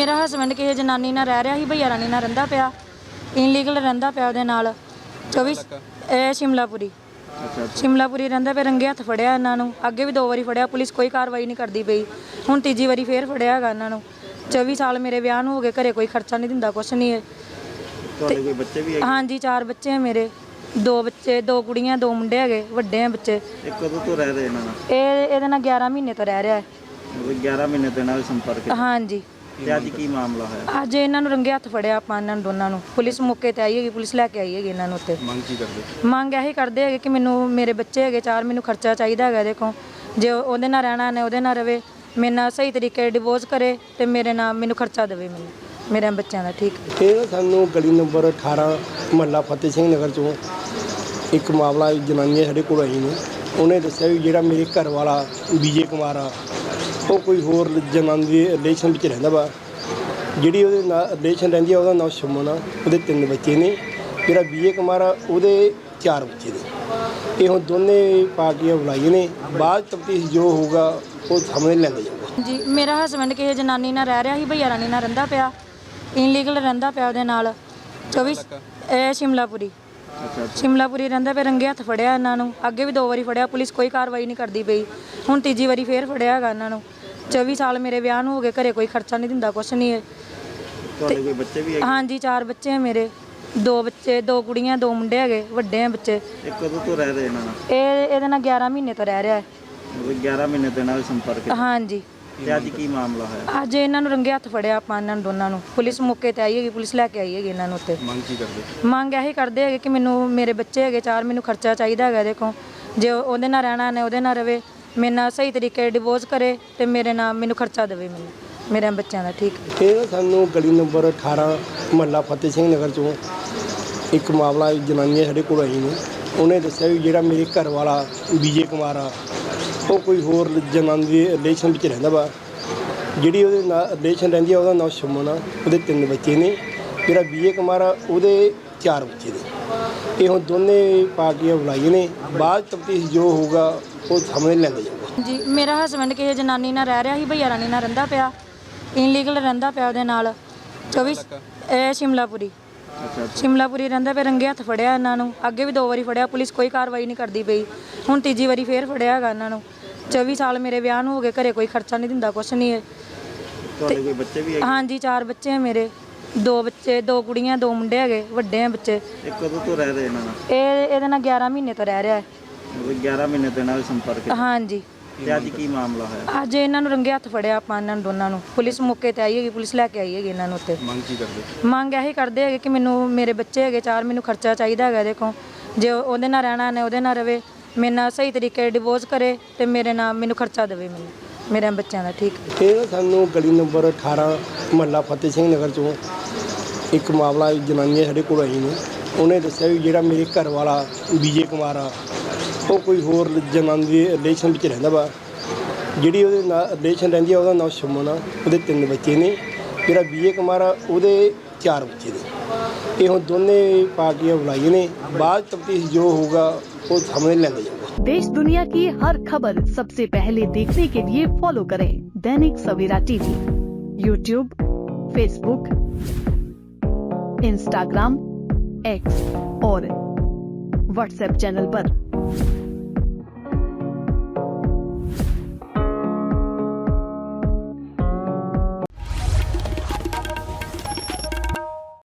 ਮੇਰਾ ਹਸਬੈਂਡ ਕਿਸੇ ਜਨਾਨੀ ਨਾਲ ਰਹਿ ਰਿਹਾ ਸੀ, ਭਈਆ ਰਾਣੀ ਨਾਲ ਰਹਿੰਦਾ ਪਿਆ, ਇਨਲੀਗਲ ਰਹਿੰਦਾ ਪਿਆ ਉਹਦੇ ਨਾਲ 24 ਇਹ ਸ਼ਿਮਲਾਪੁਰੀ ਸ਼ਿਮਲਾਪੁਰੀ ਰਹਿੰਦਾ ਪਿਆ। ਰੰਗੇ ਹੱਥ ਫੜਿਆ ਇਹਨਾਂ ਨੂੰ, ਅੱਗੇ ਵੀ 2 ਵਾਰੀ ਫੜਿਆ, ਪੁਲਿਸ ਕੋਈ ਕਾਰਵਾਈ ਨਹੀਂ ਕਰਦੀ ਪਈ। ਹੁਣ ਤੀਜੀ ਵਾਰੀ ਫੇਰ ਫੜਿਆ ਹੈਗਾ ਇਹਨਾਂ ਨੂੰ। 24 ਸਾਲ ਮੇਰੇ ਵਿਆਹ ਨੂੰ ਹੋ ਗਏ, ਘਰੇ ਕੋਈ ਖਰਚਾ ਨਹੀਂ ਦਿੰਦਾ, ਕੁਛ ਨਹੀਂ ਹੈ। ਤੁਹਾਡੇ ਕੋਈ ਬੱਚੇ ਵੀ ਹੈਗੇ? ਹਾਂਜੀ 4 ਬੱਚੇ ਹੈ ਮੇਰੇ, 2 ਬੱਚੇ, 2 ਕੁੜੀਆਂ, 2 ਮੁੰਡੇ ਹੈਗੇ, ਵੱਡੇ ਆ ਬੱਚੇ। ਇਹ ਕਦੋਂ ਤੋਂ ਰਹਿ ਰਹੇ ਇਹਨਾਂ ਨਾਲ? ਇਹਦੇ ਨਾਲ 11 ਮਹੀਨੇ ਤੋਂ ਰਹਿ ਰਿਹਾ ਹੈ। ਮਤਲਬ 11 ਮਹੀਨੇ ਦੇ ਨਾਲ ਸੰਪਰਕ ਹੈ। ਹਾਂਜੀ। ਤੇ ਅੱਜ ਕੀ ਮਾਮਲਾ ਹੋਇਆ? ਅੱਜ ਇਹਨਾਂ ਨੂੰ ਰੰਗੇ ਹੱਥ ਫੜਿਆ ਆਪਾਂ ਇਹਨਾਂ ਨੂੰ ਦੋਨਾਂ ਨੂੰ। ਪੁਲਿਸ ਮੌਕੇ ਤੇ ਆਈ ਹੈਗੀ, ਪੁਲਿਸ ਲੈ ਕੇ ਆਈ ਹੈਗੀ ਇਹਨਾਂ ਨੂੰ ਉੱਤੇ। ਮੰਗ ਕੀ ਕਰਦੇ? ਮੰਗ ਇਹੀ ਕਰਦੇ ਹੈਗੇ ਕਿ ਮੈਨੂੰ ਮੇਰੇ ਬੱਚੇ ਹੈਗੇ 4, ਮੈਨੂੰ ਖਰਚਾ ਚਾਹੀਦਾ ਹੈਗਾ। ਦੇਖੋ ਜੇ ਉਹਦੇ ਨਾਲ ਰਹਿਣਾ ਨੇ ਉਹਦੇ ਨਾਲ ਰਵੇ, ਮੇਰੇ ਨਾਲ ਸਹੀ ਤਰੀਕੇ ਡਿਵੋਰਸ ਕਰੇ ਤੇ ਮੇਰੇ ਨਾਲ ਮੈਨੂੰ ਖਰਚਾ ਦੇਵੇ, ਮੈਨੂੰ ਮੇਰੇ ਬੱਚਿਆਂ ਦਾ। ਠੀਕ ਇਹ ਨਾ ਸਾਨੂੰ ਗਲੀ ਨੰਬਰ 18 ਮੁਹੱਲਾ ਫਤਿਹ ਸਿੰਘ ਨਗਰ ਚੋਂ ਇੱਕ ਮਾਮਲਾ ਜਨਾਨੀ ਸਾਡੇ ਕੋਲ ਆਈ ਨੇ। ਉਹਨੇ ਦੱਸਿਆ ਵੀ ਜਿਹੜਾ ਮੇਰੇ ਘਰ ਵਾਲਾ ਵਿਜੇ ਕੁਮਾਰ ਆ, ਉਹ ਕੋਈ ਹੋਰ ਜਨਾਨੀ ਦੇ ਰਿਲੇਸ਼ਨ ਵਿੱਚ ਰਹਿੰਦਾ ਵਾ। ਜਿਹੜੀ ਉਹਦੇ ਨਾਲ ਰਿਲੇਸ਼ਨ ਰਹਿੰਦੀ ਆ ਉਹਦਾ ਨਾਮ ਸ਼ਮਨ ਆ। ਉਹਦੇ 3 ਬੱਚੇ ਨੇ। ਜਿਹੜਾ ਵਿਜੇ ਕੁਮਾਰ ਆ ਉਹਦੇ 4 ਬੱਚੇ ਨੇ। ਇਹ ਹੁਣ ਦੋਨੇ ਪਾਰਟੀਆਂ ਬੁਲਾਈਆਂ ਨੇ, ਬਾਅਦ ਤਫਤੀਸ਼ ਜੋ ਹੋਊਗਾ ਉਹ ਸਾਹਮਣੇ ਲੈਂਦੇ ਜਾਊਗਾ। ਜੀ ਮੇਰਾ ਹਸਬੈਂਡ ਕਿਸੇ ਜਨਾਨੀ ਨਾਲ ਰਹਿ ਰਿਹਾ ਸੀ, ਭਈਆ ਰਾਣੀ ਨਾਲ ਰਹਿੰਦਾ ਪਿਆ, ਇਨਲੀਗਲ ਰਹਿੰਦਾ ਪਿਆ ਉਹਦੇ ਨਾਲ 24 ਇਹ ਸ਼ਿਮਲਾਪੁਰੀ ਸ਼ਿਮਲਾਪੁਰੀ ਰਹਿੰਦਾ ਪਿਆ। ਰੰਗੇ ਹੱਥ ਫੜਿਆ ਇਹਨਾਂ ਨੂੰ, ਅੱਗੇ ਵੀ 2 ਵਾਰੀ ਫੜਿਆ, ਪੁਲਿਸ ਕੋਈ ਕਾਰਵਾਈ ਨਹੀਂ ਕਰਦੀ ਪਈ। ਹੁਣ ਤੀਜੀ ਵਾਰੀ ਫੇਰ ਫੜਿਆ ਹੈਗਾ ਇਹਨਾਂ ਨੂੰ। 24 ਸਾਲ ਮੇਰੇ ਵਿਆਹ ਨੂੰ ਹੋ ਗਏ, ਘਰੇ ਕੋਈ ਖਰਚਾ ਨਹੀਂ ਦਿੰਦਾ, ਕੁਛ ਨਹੀਂ ਹੈ। ਤੁਹਾਡੇ ਕੋਈ ਬੱਚੇ ਵੀ ਹੈਗੇ? ਹਾਂਜੀ 4 ਬੱਚੇ ਹੈ ਮੇਰੇ, 2 ਬੱਚੇ, 2 ਕੁੜੀਆਂ, 2 ਮੁੰਡੇ ਹੈਗੇ, ਵੱਡੇ ਆ ਬੱਚੇ। ਇਹ ਕਦੋਂ ਤੋਂ ਰਹਿ ਰਹੇ ਇਹਨਾਂ ਨਾਲ? ਇਹਦੇ ਨਾਲ 11 ਮਹੀਨੇ ਤੋਂ ਰਹਿ ਰਿਹਾ ਹੈ। ਮਤਲਬ 11 ਮਹੀਨੇ ਦੇ ਨਾਲ ਸੰਪਰਕ ਹੈ। ਹਾਂਜੀ। ਤੇ ਅੱਜ ਕੀ ਮਾਮਲਾ ਹੋਇਆ? ਅੱਜ ਇਹਨਾਂ ਨੂੰ ਰੰਗੇ ਹੱਥ ਫੜਿਆ ਆਪਾਂ ਇਹਨਾਂ ਨੂੰ ਦੋਨਾਂ ਨੂੰ। ਪੁਲਿਸ ਮੌਕੇ ਤੇ ਆਈ ਹੈਗੀ, ਪੁਲਿਸ ਲੈ ਕੇ ਆਈ ਹੈਗੀ ਇਹਨਾਂ ਨੂੰ ਉੱਤੇ। ਮੰਗ ਕੀ ਕਰਦੇ? ਮੰਗ ਇਹੀ ਕਰਦੇ ਹੈਗੇ ਕਿ ਮੈਨੂੰ ਮੇਰੇ ਬੱਚੇ ਹੈਗੇ 4, ਮੈਨੂੰ ਖਰਚਾ ਚਾਹੀਦਾ ਹੈਗਾ। ਦੇਖੋ ਜੇ ਉਹਦੇ ਨਾਲ ਰਹਿਣਾ ਨੇ ਉਹਦੇ ਨਾਲ ਰਵੇ, ਮੇਰੇ ਨਾਲ ਸਹੀ ਤਰੀਕੇ ਡਿਵੋਰਸ ਕਰੇ ਤੇ ਮੇਰੇ ਨਾਲ ਮੈਨੂੰ ਖਰਚਾ ਦੇਵੇ, ਮੈਨੂੰ ਮੇਰੇ ਬੱਚਿਆਂ ਦਾ। ਠੀਕ ਇਹ ਨਾ ਸਾਨੂੰ ਗਲੀ ਨੰਬਰ 18 ਮੁਹੱਲਾ ਫਤਿਹ ਸਿੰਘ ਨਗਰ ਚੋਂ ਇੱਕ ਮਾਮਲਾ ਜਨਾਨੀ ਸਾਡੇ ਕੋਲ ਆਈ ਨੇ। ਉਹਨੇ ਦੱਸਿਆ ਵੀ ਜਿਹੜਾ ਮੇਰੇ ਘਰ ਵਾਲਾ ਵਿਜੇ ਕੁਮਾਰ ਆ, ਉਹ ਕੋਈ ਹੋਰ ਜਨਾਨੀ ਦੇ ਰਿਲੇਸ਼ਨ ਵਿੱਚ ਰਹਿੰਦਾ ਵਾ। ਜਿਹੜੀ ਉਹਦੇ ਨਾਲ ਰਿਲੇਸ਼ਨ ਰਹਿੰਦੀ ਆ ਉਹਦਾ ਨਾਮ ਸ਼ਮਨ ਆ। ਉਹਦੇ 3 ਬੱਚੇ ਨੇ। ਜਿਹੜਾ ਵਿਜੇ ਕੁਮਾਰ ਆ ਉਹਦੇ 4 ਬੱਚੇ ਨੇ। ਇਹ ਹੁਣ ਦੋਨੇ ਪਾਰਟੀਆਂ ਬੁਲਾਈਆਂ ਨੇ, ਬਾਅਦ ਤਫਤੀਸ਼ ਜੋ ਹੋਊਗਾ ਉਹ ਸਾਹਮਣੇ ਲੈਂਦੇ ਜਾਊਗਾ। ਜੀ ਮੇਰਾ ਹਸਬੈਂਡ ਕਿਸੇ ਜਨਾਨੀ ਨਾਲ ਰਹਿ ਰਿਹਾ ਸੀ, ਭਈਆ ਰਾਣੀ ਨਾਲ ਰਹਿੰਦਾ ਪਿਆ, ਇਨਲੀਗਲ ਰਹਿੰਦਾ ਪਿਆ ਉਹਦੇ ਨਾਲ 24 ਇਹ ਸ਼ਿਮਲਾਪੁਰੀ ਸ਼ਿਮਲਾਪੁਰੀ ਰਹਿੰਦਾ ਪਿਆ। ਰੰਗੇ ਹੱਥ ਫੜਿਆ ਇਹਨਾਂ ਨੂੰ, ਅੱਗੇ ਵੀ 2 ਵਾਰੀ ਫੜਿਆ, ਪੁਲਿਸ ਕੋਈ ਕਾਰਵਾਈ ਨਹੀਂ ਕਰਦੀ ਪਈ। ਹੁਣ ਤੀਜੀ ਵਾਰੀ ਫੇਰ ਫੜਿਆ ਹੈਗਾ ਇਹਨਾਂ ਨੂੰ। 24 ਸਾਲ ਮੇਰੇ ਵਿਆਹ ਨੂੰ ਹੋ ਗਏ, ਘਰੇ ਕੋਈ ਖਰਚਾ ਨਹੀਂ ਦਿੰਦਾ, ਕੁਛ ਨਹੀਂ ਹੈ। ਤੁਹਾਡੇ ਕੋਈ ਬੱਚੇ ਵੀ ਹੈਗੇ? ਹਾਂਜੀ 4 ਬੱਚੇ ਹੈ ਮੇਰੇ, 2 ਬੱਚੇ, 2 ਕੁੜੀਆਂ, 2 ਮੁੰਡੇ ਹੈਗੇ, ਵੱਡੇ ਆ ਬੱਚੇ। ਇਹ ਕਦੋਂ ਤੋਂ ਰਹਿ ਰਹੇ ਇਹਨਾਂ ਨਾਲ? ਇਹਦੇ ਨਾਲ 11 ਮਹੀਨੇ ਤੋਂ ਰਹਿ ਰਿਹਾ ਹੈ। ਮਤਲਬ 11 ਮਹੀਨੇ ਦੇ ਨਾਲ ਸੰਪਰਕ ਹੈ। ਹਾਂਜੀ। ਤੇ ਅੱਜ ਕੀ ਮਾਮਲਾ ਹੋਇਆ? ਅੱਜ ਇਹਨਾਂ ਨੂੰ ਰੰਗੇ ਹੱਥ ਫੜਿਆ ਆਪਾਂ ਇਹਨਾਂ ਨੂੰ ਦੋਨਾਂ ਨੂੰ। ਪੁਲਿਸ ਮੌਕੇ ਤੇ ਆਈ ਹੈਗੀ, ਪੁਲਿਸ ਲੈ ਕੇ ਆਈ ਹੈਗੀ ਇਹਨਾਂ ਨੂੰ ਉੱਤੇ। ਮੰਗ ਕੀ ਕਰਦੇ? ਮੰਗ ਇਹੀ ਕਰਦੇ ਹੈਗੇ ਕਿ ਮੈਨੂੰ ਮੇਰੇ ਬੱਚੇ ਹੈਗੇ 4, ਮੈਨੂੰ ਖਰਚਾ ਚਾਹੀਦਾ ਹੈਗਾ। ਦੇਖੋ ਜੇ ਉਹਦੇ ਨਾਲ ਰਹਿਣਾ ਨੇ ਉਹਦੇ ਨਾਲ ਰਵੇ, ਮੇਰੇ ਨਾਲ ਸਹੀ ਤਰੀਕੇ ਡਿਵੋਰਸ ਕਰੇ ਤੇ ਮੇਰੇ ਨਾਲ ਮੈਨੂੰ ਖਰਚਾ ਦੇਵੇ, ਮੈਨੂੰ ਮੇਰੇ ਬੱਚਿਆਂ ਦਾ। ਠੀਕ ਇਹ ਨਾ ਸਾਨੂੰ ਗਲੀ ਨੰਬਰ 18 ਮੁਹੱਲਾ ਫਤਿਹ ਸਿੰਘ ਨਗਰ ਚੋਂ ਇੱਕ ਮਾਮਲਾ ਜਨਾਨੀ ਸਾਡੇ ਕੋਲ ਆਈ ਨੇ। ਉਹਨੇ ਦੱਸਿਆ ਵੀ ਜਿਹੜਾ ਮੇਰੇ ਘਰ ਵਾਲਾ ਵਿਜੇ ਕੁਮਾਰ ਆ, ਉਹ ਕੋਈ ਹੋਰ ਜਨਾਨੀ ਦੇ ਰਿਲੇਸ਼ਨ ਵਿੱਚ ਰਹਿੰਦਾ ਵਾ। ਜਿਹੜੀ ਉਹਦੇ ਨਾਲ ਰਿਲੇਸ਼ਨ ਰਹਿੰਦੀ ਆ ਉਹਦਾ ਨਾਮ ਸ਼ਮਨ ਆ। ਉਹਦੇ 3 ਬੱਚੇ ਨੇ। ਜਿਹੜਾ ਵਿਜੇ ਕੁਮਾਰ ਆ ਉਹਦੇ 4 ਬੱਚੇ ਨੇ। ਇਹ ਹੁਣ ਦੋਨੇ ਪਾਰਟੀਆਂ ਬੁਲਾਈਆਂ ਨੇ, ਬਾਅਦ ਤਫਤੀਸ਼ ਜੋ ਹੋਊਗਾ वो सामने लेंगे जाऊंगा। देश दुनिया की हर खबर सबसे पहले देखने के लिए फॉलो करें Dainik Savera TV, YouTube, Facebook, Instagram, X और व्हाट्सएप चैनल पर।